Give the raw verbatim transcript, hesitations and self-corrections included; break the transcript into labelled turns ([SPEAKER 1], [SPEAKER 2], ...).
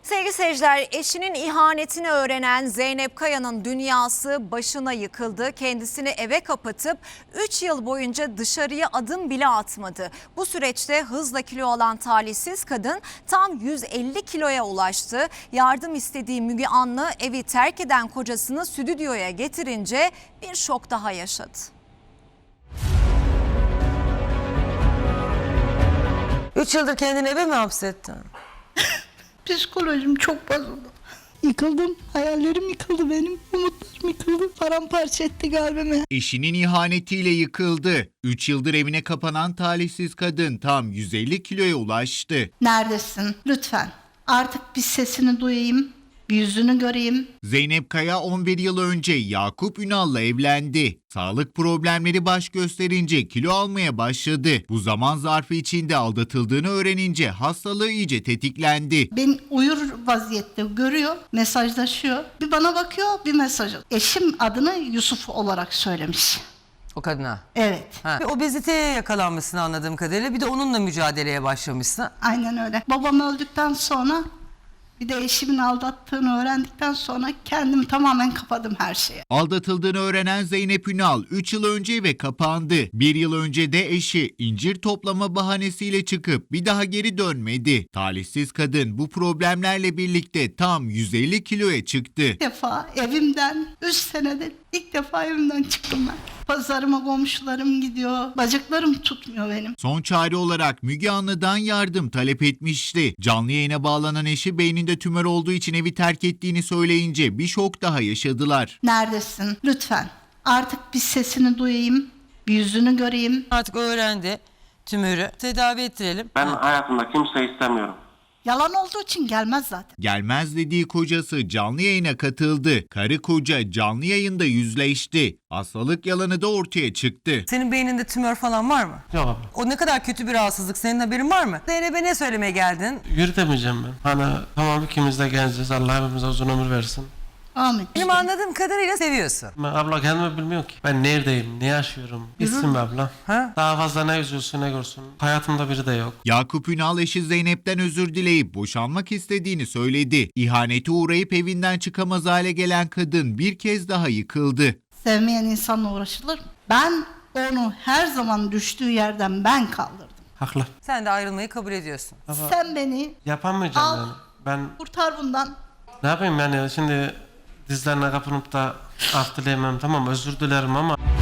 [SPEAKER 1] Sevgili seyirciler, eşinin ihanetini öğrenen Zeynep Kaya'nın dünyası başına yıkıldı. Kendisini eve kapatıp üç yıl boyunca dışarıya adım bile atmadı. Bu süreçte hızla kilo alan talihsiz kadın tam yüz elli kiloya ulaştı. Yardım istediği Müge Anlı evi terk eden kocasını stüdyoya getirince bir şok daha yaşadı.
[SPEAKER 2] Üç yıldır kendini eve mi hapsettin?
[SPEAKER 3] Psikolojim çok bozuldu. Yıkıldım. Hayallerim yıkıldı benim. Umutlarım yıkıldı. Paramparça etti kalbimi.
[SPEAKER 4] Eşinin ihanetiyle yıkıldı. üç yıldır evine kapanan talihsiz kadın tam yüz elli kiloya ulaştı.
[SPEAKER 3] Neredesin? Lütfen. Artık bir sesini duyayım. Bir yüzünü göreyim.
[SPEAKER 4] Zeynep Kaya on bir yıl önce Yakup Ünal'la evlendi. Sağlık problemleri baş gösterince kilo almaya başladı. Bu zaman zarfı içinde aldatıldığını öğrenince hastalığı iyice tetiklendi.
[SPEAKER 3] Beni uyur vaziyette görüyor. Mesajlaşıyor. Bir bana bakıyor, bir mesaj. Eşim adını Yusuf olarak söylemiş.
[SPEAKER 2] O kadına.
[SPEAKER 3] Evet.
[SPEAKER 2] Ha. O beziteye yakalanmışsın anladığım kadarıyla. Bir de onunla mücadeleye başlamışsın.
[SPEAKER 3] Aynen öyle. Babam öldükten sonra bir de eşimin aldattığını öğrendikten sonra kendimi tamamen kapadım her şeye.
[SPEAKER 4] Aldatıldığını öğrenen Zeynep Ünal üç yıl önce eve kapandı. bir yıl önce de eşi incir toplama bahanesiyle çıkıp bir daha geri dönmedi. Talihsiz kadın bu problemlerle birlikte tam yüz elli kiloya çıktı.
[SPEAKER 3] İlk defa evimden, üç senede ilk defa evimden çıktım ben. Pazarıma komşularım gidiyor. Bacaklarım tutmuyor benim.
[SPEAKER 4] Son çare olarak Müge Anlı'dan yardım talep etmişti. Canlı yayına bağlanan eşi beyninde tümör olduğu için evi terk ettiğini söyleyince bir şok daha yaşadılar.
[SPEAKER 3] Neredesin? Lütfen. Artık bir sesini duyayım. Bir yüzünü göreyim.
[SPEAKER 2] Artık öğrendi tümörü. Tedavi ettirelim.
[SPEAKER 5] Ben hayatımda kimse istemiyorum.
[SPEAKER 3] Yalan olduğu için gelmez zaten.
[SPEAKER 4] Gelmez dediği kocası canlı yayına katıldı. Karı koca canlı yayında yüzleşti. Hastalık yalanı da ortaya çıktı.
[SPEAKER 2] Senin beyninde tümör falan var mı?
[SPEAKER 5] Yok abla.
[SPEAKER 2] O ne kadar kötü bir rahatsızlık. Senin haberin var mı? Zeynep'e ne söylemeye geldin?
[SPEAKER 5] Yürütemeyeceğim ben. Hani tamam ikimiz de genciz. Allah hepimize uzun ömür versin.
[SPEAKER 3] Amin.
[SPEAKER 2] Benim anladığım kadarıyla seviyorsun.
[SPEAKER 5] Ben abla kendimi bilmiyorum ki. Ben neredeyim, ne yaşıyorum? Gitsin be abla.
[SPEAKER 2] Ha?
[SPEAKER 5] Daha fazla ne üzülsün ne görsün. Hayatımda biri de yok.
[SPEAKER 4] Yakup Ünal eşi Zeynep'ten özür dileyip boşanmak istediğini söyledi. İhanete uğrayıp evinden çıkamaz hale gelen kadın bir kez daha yıkıldı.
[SPEAKER 3] Sevmeyen insanla uğraşılır mı? Ben onu her zaman düştüğü yerden ben kaldırdım.
[SPEAKER 5] Haklı.
[SPEAKER 2] Sen de ayrılmayı kabul ediyorsun.
[SPEAKER 5] Ama
[SPEAKER 3] Sen beni
[SPEAKER 5] yapamayacağım
[SPEAKER 3] al,
[SPEAKER 5] yani. Ben
[SPEAKER 3] kurtar bundan.
[SPEAKER 5] ne yapayım yani şimdi dizlerine kapınıp da af dileyemem, tamam özür dilerim ama